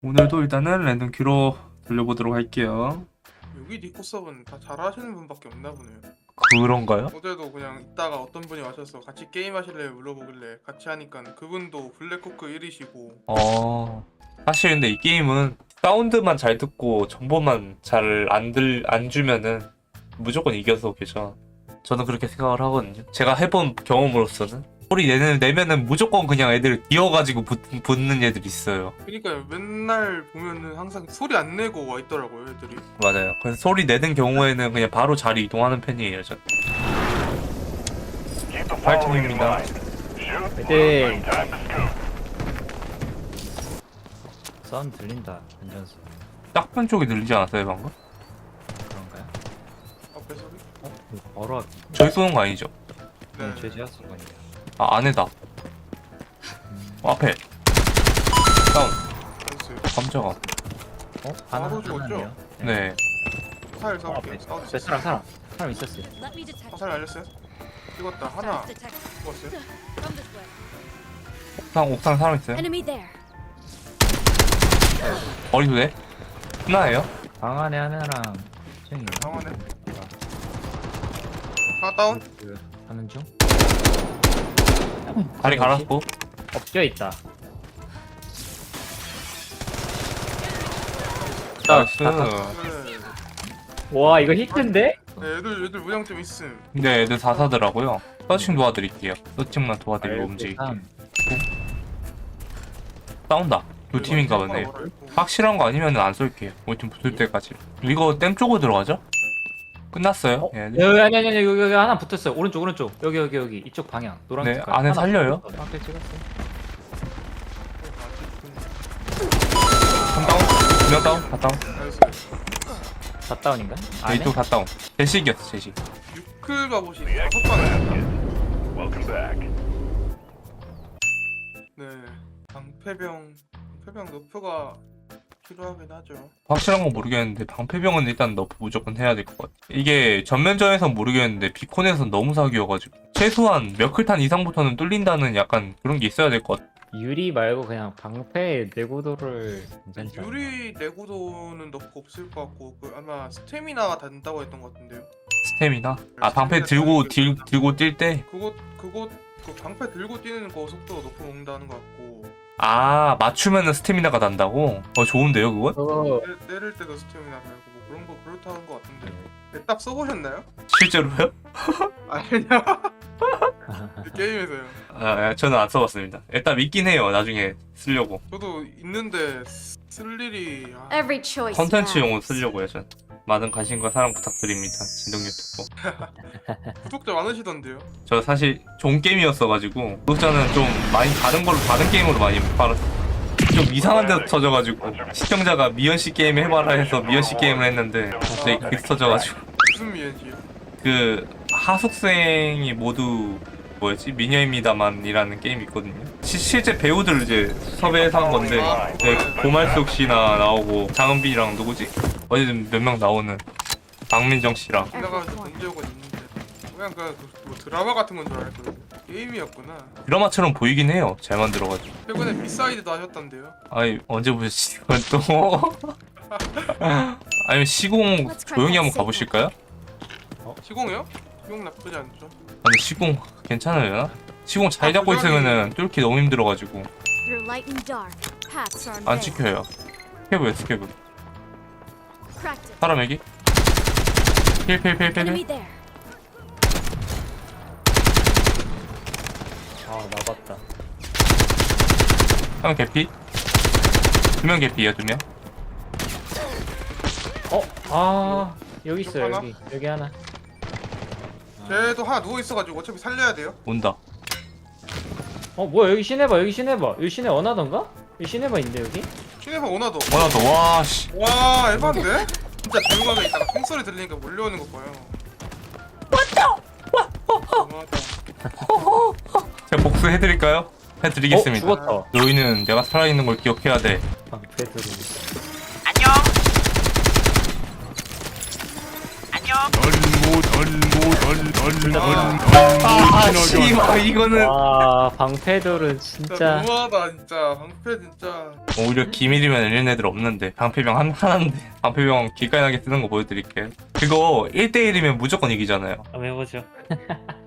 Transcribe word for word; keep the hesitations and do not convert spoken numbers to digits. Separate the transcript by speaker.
Speaker 1: 오늘도 일단은 랜덤 큐로 돌려보도록 할게요.
Speaker 2: 여기 니코섭은 다 잘하시는 분밖에 없나 보네요.
Speaker 1: 그런가요?
Speaker 2: 어제도 그냥 있다가 어떤 분이 와셔서 같이 게임 하실래요 물어보길래 같이 하니까 그분도 블랙호크 일이시고
Speaker 1: 어... 사실 근데 이 게임은 사운드만 잘 듣고 정보만 잘 안 들, 안 주면은 무조건 이겨서 계셔. 저는 그렇게 생각을 하거든요. 제가 해본 경험으로서는 소리 내는, 내면은 무조건 그냥 애들 기어가지고 붙, 붙는 애들 있어요.
Speaker 2: 그러니까 맨날 보면은 항상 소리 안 내고 와 있더라고요 애들이.
Speaker 1: 맞아요. 그래서 소리 내는 경우에는 그냥 바로 자리 이동하는 편이에요, 전. 파이팅입니다.
Speaker 3: 화이팅! 사운드 들린다. 안전수
Speaker 1: 딱편 쪽이 들리지 않았어요, 방금?
Speaker 3: 그런가요?
Speaker 2: 앞에 소리?
Speaker 3: 어? 이거 바로 앞.
Speaker 1: 저희 쏘는 거 아니죠?
Speaker 2: 네.
Speaker 3: 네. 죄지하 수건이야.
Speaker 1: 아, 안에다. 어, 앞에. 다운.
Speaker 2: 됐어요.
Speaker 1: 깜짝아.
Speaker 3: 어? 하나
Speaker 2: 바로 죽었죠?
Speaker 3: 하나네요.
Speaker 1: 네.
Speaker 2: 화살
Speaker 3: 어,
Speaker 2: 사올게요.
Speaker 3: 앞에.
Speaker 2: 사올 수
Speaker 3: 네,
Speaker 2: 있어요.
Speaker 3: 사람 사람 사람 있었어요.
Speaker 4: Let me detect.
Speaker 2: 화살 날렸어요? 찍었다. 하나
Speaker 4: Detect.
Speaker 2: 죽었어요.
Speaker 4: From this way.
Speaker 1: 옥상, 옥상 사람 있어요?
Speaker 4: Enemy there.
Speaker 1: 어디서 돼? 하나예요?
Speaker 3: 방 안에 하나랑 층이.
Speaker 2: 방안에 하나 다운.
Speaker 3: 그 하는 중.
Speaker 1: 다리 갈았고.
Speaker 3: 엎겨 있다.
Speaker 1: 나이스.
Speaker 2: 네.
Speaker 3: 와 이거 히트인데?
Speaker 2: 네, 애들 애들 무장점 있음.
Speaker 1: 근데 애들 다 사더라고요. 서칭 도와드릴게요. 서칭만 도와드리고 움직이.
Speaker 3: 삼.
Speaker 1: 싸운다. 두 팀인가 보네. 확실한 거 아니면 안 쏠게요. 우리 팀 붙을 때까지. 이거 댐 쪽으로 들어가죠? 끝났어요.
Speaker 3: 어?
Speaker 1: 예.
Speaker 3: 여기 아니 아니 아니 여기, 여기 하나 붙었어요. 오른쪽 오른쪽 여기 여기 여기 이쪽 방향 노란
Speaker 1: 네,
Speaker 3: 색깔.
Speaker 1: 안에
Speaker 3: 하나
Speaker 1: 살려요?
Speaker 3: 붙었어. 앞에 찍었어요.
Speaker 1: 한 다운? 두명 다운? 다 다운?
Speaker 2: 나이스.
Speaker 3: 다 다운인가?
Speaker 1: 네,
Speaker 3: 안에?
Speaker 1: 이쪽 다 다운. 제식이었어, 제식.
Speaker 2: 유클 가보시 다섯 방이었다. 네. 방패병 방패병 너프가 필요하긴 하죠.
Speaker 1: 확실한 건 모르겠는데 방패병은 일단 너프 무조건 해야 될 것 같아. 이게 전면전에선 모르겠는데 비콘에선 너무 사기여가지고 최소한 몇 클탄 이상부터는 뚫린다는 약간 그런 게 있어야 될 것 같아.
Speaker 3: 유리 말고 그냥 방패 내구도를 괜찮지 않나?
Speaker 2: 유리 내구도는 너프 없을 것 같고 그 아마 스태미나가 단다고 했던 것 같은데요.
Speaker 1: 스태미나? 아 방패 들고 들, 들고 뛸 때?
Speaker 2: 그것 그것 그 방패 들고 뛰는 거 속도 높이 먹는다는 것 같고
Speaker 1: 아 맞추면은 스태미나가 난다고? 어 좋은데요 그건?
Speaker 3: 그거
Speaker 2: 때, 때릴 때도 스태미나 달고 뭐 그런 거 그렇다는 것 같은데. 네, 딱 써보셨나요?
Speaker 1: 실제로요?
Speaker 2: 아니냐? 게임에서요.
Speaker 1: 아 예, 저는 안 써봤습니다. 일단 믿긴 해요 나중에 쓰려고.
Speaker 2: 저도 있는데 쓸 일이 아,
Speaker 4: Every choice.
Speaker 1: 컨텐츠용으로 쓰려고요 전. 많은 관심과 사랑 부탁드립니다. 진동 유튜버.
Speaker 2: 구독자 많으시던데요.
Speaker 1: 저 사실 좋은 게임이었어가지고 구독자는 좀 많이 다른 걸로 다른 게임으로 많이 팔았어. 좀 이상한 데서 터져가지고 시청자가 미연씨 게임 해봐라 해서 미연씨 게임을 했는데 갑자기 그게 터져가지고
Speaker 2: 무슨 미연지요?
Speaker 1: 그 하숙생이 모두 뭐였지? 미녀입니다만이라는 게임이 있거든요. 시, 실제 배우들 이제 섭외해서 한 건데 네, 고말숙 씨나 나오고 장은빈이랑 누구지? 어제든 몇 명 나오는 박민정 씨랑
Speaker 2: 지나가서 본 적은 있는데 그냥 그 뭐 드라마 같은 건 줄 알았거든요. 게임이었구나.
Speaker 1: 드라마처럼 보이긴 해요. 잘 만들어가지고.
Speaker 2: 최근에 비사이드도 하셨던데요.
Speaker 1: 아니 언제 보셨지? 이건 또 아니면 시공 조용히 한번 가보실까요?
Speaker 2: 시공이요? 시공 나쁘지 않죠.
Speaker 1: 아니 시공 괜찮으려나? 시공 잘 잡고 있으면은 뚫기 너무 힘들어가지고
Speaker 4: Through light and dark, paths are
Speaker 1: 안
Speaker 4: unveiled.
Speaker 1: 찍혀요. 스케브야 스케브.
Speaker 4: Cracked it.
Speaker 1: 사람 여기? 필필필필필.
Speaker 4: Enemy there.
Speaker 3: 아 나봤다.
Speaker 1: 한 명 개피? 두 명 개피야 두 명?
Speaker 3: 어? 아 여기 있어요
Speaker 2: 하나?
Speaker 3: 여기 여기 하나.
Speaker 2: 쟤도 하나 누워 있어가지고 어차피 살려야 돼요.
Speaker 1: 온다.
Speaker 3: 어 뭐야 여기 시내봐 여기 시내봐 여기 시내 원하던가? 여기 시내봐 있는데 여기?
Speaker 2: 시네마 오나도.
Speaker 1: 원하 더 와씨.
Speaker 2: 와 에반데? 진짜 조용하게 있다가 총소리 들리니까 몰려오는 거 봐요. 왔다! 와!
Speaker 1: 제가 복수해드릴까요? 해드리겠습니다.
Speaker 3: 어 죽었다.
Speaker 1: 너희는 내가 살아있는 걸 기억해야 돼.
Speaker 3: 방패 들이.
Speaker 5: 안녕. 안녕.
Speaker 1: 아 씨발 이거는
Speaker 3: 와 방패돌은
Speaker 2: 진짜
Speaker 3: 진짜
Speaker 2: 너무하다 진짜. 방패 진짜.
Speaker 1: 오히려 기밀이면 열린 애들 없는데 방패병 한, 하나인데 방패병 기깔나게 쓰는 거 보여드릴게요. 그거 일 대일이면 무조건 이기잖아요.
Speaker 3: 한번 해보죠.